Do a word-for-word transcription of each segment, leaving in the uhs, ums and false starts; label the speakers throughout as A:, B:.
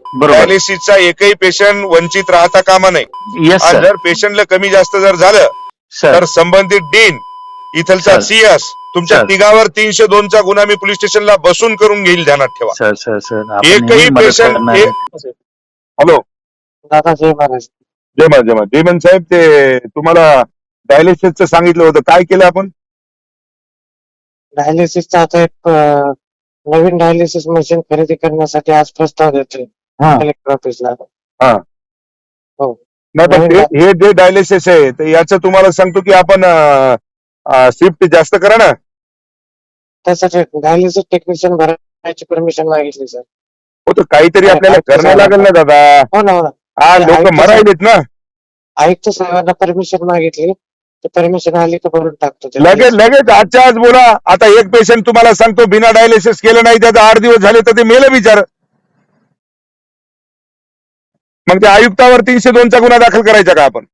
A: बरोबर.
B: डायलिसिसचा एकही पेशंट वंचित राहता कामा नये.
A: येस
B: आणि
A: सर.
B: जर पेशंटला कमी जास्त जर झालं
A: सर
B: तर संबंधित डीन इथलचा
A: सर.
B: सीएस तुमच्या
A: सर.
B: तिघावर तीनशे दोनचा गुन्हा मी पोलीस स्टेशनला बसून करून घेईल, ध्यानात ठेवा.
A: सर सर सर आपण
B: एकही
A: नेहमी मदत
B: पेशंट
A: करणार
B: एक
A: आहे.
B: हॅलो
C: दादा जय महाराज.
B: जय मा जय मा जयमन साहेब, ते तुम्हाला डायलिसिसचं सांगितलं होतं, काय केलं आपण?
C: डायलिसिसचा आता एक अं, नवीन डायलिसिस मशीन खरेदी करण्यासाठी आज प्रस्ताव देतोय
B: हा.
C: कलेक्टर ऑफिसला.
B: हा.
C: हो.
B: नाही पण
C: नवीन
B: ते-
C: डा-
B: हे जे डायलिसिस आहे तर याचं तुम्हाला सांगतो की आपण शिफ्ट जास्त करा ना.
C: त्यासाठी डायलिसिस टेक्निशियन भरायची परमिशन मागितली सर.
B: हो तर काहीतरी
C: अरे,
B: आपल्याला
C: आयुक्त
B: करणं लागेल ना दादा.
C: हो ना हो ना.
B: हा
C: ते
B: लोक
C: आयुक्त
B: मरायलेत ना.
C: आयुक्त साहेबांना परमिशन मागितली, ते परमिशन आली तर भरून टाकतो ते
B: लगेच
C: dialysis.
B: लगेच आजच्या आज बोला. आता एक पेशंट तुम्हाला सांगतो बिना डायलिसिस केलं नाही, त्याचा आठ दिवस झाले तर ते मेलं बिचार. मग त्या आयुक्तावर तीनशे दोनचा गुन्हा दाखल करायचा का आपण?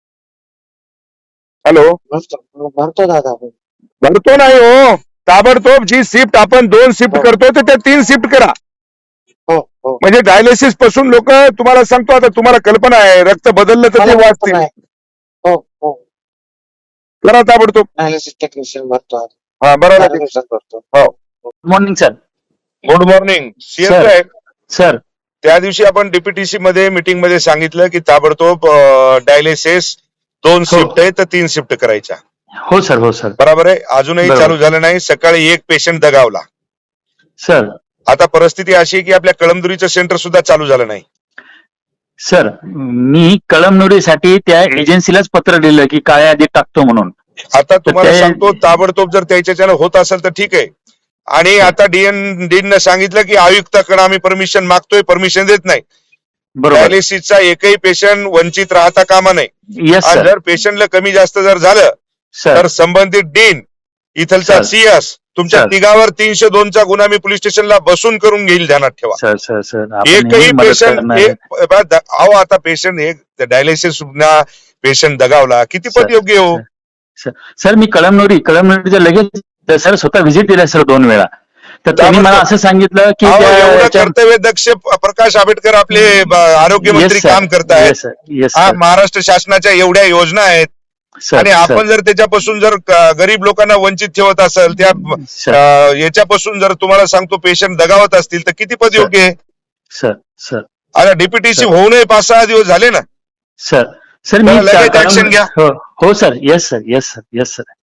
B: हॅलो
C: भरतो भरतो दादा आपण.
B: भरतो नाही हो. ताबडतोब जी शिफ्ट आपण दोन शिफ्ट
C: हो.
B: करतो तर त्या तीन शिफ्ट करा.
C: हो हो.
B: म्हणजे डायलिसिस पासून लोक, तुम्हाला सांगतो आता, तुम्हाला कल्पना आहे रक्त बदललं तर
C: मला
B: ते
C: माहित
B: वाचतील.
C: नाही. हो हो.
B: करा ताबडतोब.
C: डायलिसिस टेक्निशियन भरतो आज.
B: हा
C: चार
B: बरोबर.
C: दिवसात भरतो.
A: Good morning sir.
B: Good morning CS
A: sir.
B: साहेब.
A: सर
B: त्या दिवशी आपण डीपीटीसी मध्ये मीटिंग मध्ये सांगितलं की ताबडतोब डायलिसिस दोन
A: हो.
B: शिफ्ट आहे तर तीन शिफ्ट करायच्या.
A: हो सर. हो सर.
B: बरोबर आहे. अजूनही
A: बरोबर.
B: चालू झालं नाही. सकाळी एक पेशंट दगावला.
A: सर
B: आता परिस्थिती अशी आहे की आपल्या कळमदुरीचं सेंटर सुद्धा चालू झालं नाही.
A: सर मी कळमनुरीसाठी त्या एजन्सीलाच पत्र दिलं की काळ्या यादीत टाकतो म्हणून.
B: आता तुम्हाला
A: ते-
B: सांगतो ताबडतोब जर त्याच्याच्यानं होत असेल तर ठीक आहे. आणि आता डीएन डीन सांगितलं की आयुक्ताकडे आम्ही परमिशन मागतोय, परमिशन देत नाही.
A: बरोबर.
B: डायलिसिसचा एकही पेशंट वंचित राहता कामा नये.
A: येस
B: आणि
A: सर.
B: जर पेशंटला कमी जास्त जर झालं
A: सर
B: तर संबंधित डीन इथलचा
A: सर.
B: सीएस तुमच्या
A: सर.
B: तिघावर तीनशे दोनचा गुन्हा मी पोलीस स्टेशनला बसून करून घेईल, ध्यानात ठेवा.
A: सर सर सर आपण
B: एकही
A: नेहमी मदत
B: पेशंट
A: करणार आहे.
B: अहो आता पेशंट एक डायलिसिस पेशंट दगावला किती
A: सर,
B: पद योग्य हो.
A: सर सर, मी कळमनुरी कळमनुरीच्या लगेच सर स्वतः व्हिजिट दिला सर दोन वेळा. तर त्यांनी मला असं सांगितलं की
B: अहो,
A: त्या-
B: एवढं
A: त्या-
B: कर्तव्य दक्ष प्रकाश आंबेडकर आपले ब- आरोग्यमंत्री
A: Yes, sir.
B: काम करतायत.
A: Yes, sir. Yes,
B: हा
A: sir.
B: महाराष्ट्र शासनाच्या एवढ्या योजना आहेत
A: सर,
B: आणि
A: सर,
B: आपण जर त्याच्यापासून जर क- गरीब लोकांना वंचित ठेवत असेल, त्या
A: सर,
B: अं, याच्यापासून जर तुम्हाला सांगतो पेशंट दगावत असतील तर किती पद
A: सर.
B: योग्य आहे.
A: सर सर
B: आता डीपीटीसी
A: सर.
B: होऊनही पाच सहा दिवस झाले ना.
A: सर सर मी
B: तर लगेच
A: कळम-
B: action घ्या.
A: हो हो sir. Yes sir. Yes sir. Yes sir.